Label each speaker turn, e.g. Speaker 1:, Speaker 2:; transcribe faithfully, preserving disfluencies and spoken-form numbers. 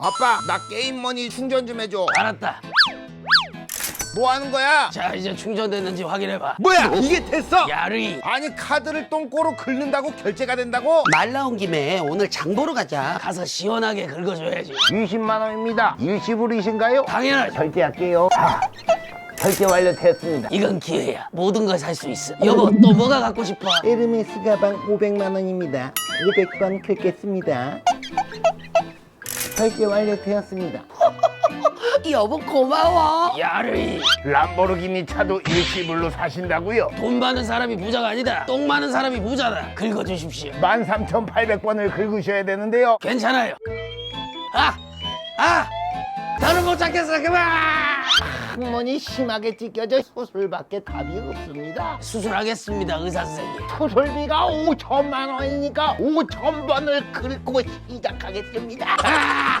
Speaker 1: 아빠 나 게임머니 충전 좀 해줘.
Speaker 2: 알았다.
Speaker 1: 뭐 하는 거야?
Speaker 2: 자, 이제 충전됐는지 확인해봐.
Speaker 1: 뭐야 이게 됐어?
Speaker 2: 야르이.
Speaker 1: 아니 카드를 똥꼬로 긁는다고 결제가 된다고?
Speaker 3: 말 나온 김에 오늘 장 보러 가자.
Speaker 2: 가서 시원하게 긁어줘야지.
Speaker 4: 이십만 원입니다. 일시불이신가요?
Speaker 2: 당연하지.
Speaker 4: 결제할게요. 아, 결제 완료됐습니다.
Speaker 2: 이건 기회야. 모든 걸 살 수 있어. 여보, 또 뭐가 갖고 싶어?
Speaker 4: 에르메스 가방 오백만 원입니다. 오백 번 긁겠습니다. 결제 완료되었습니다.
Speaker 3: 여보 고마워.
Speaker 2: 야르이.
Speaker 4: 람보르기니 차도 일시불로 사신다고요?
Speaker 2: 돈 많은 사람이 부자가 아니다. 똥 많은 사람이 부자다. 긁어주십시오.
Speaker 4: 만 삼천팔백 번을 긁으셔야 되는데요.
Speaker 2: 괜찮아요. 아! 아! 나는 못 찾겠어. 그만!
Speaker 4: 항문이 심하게 찢겨져 수술밖에 답이 없습니다.
Speaker 2: 수술하겠습니다, 의사 선생님.
Speaker 4: 수술비가 오천만 원이니까 오천 번을 긁고 시작하겠습니다.
Speaker 2: 아!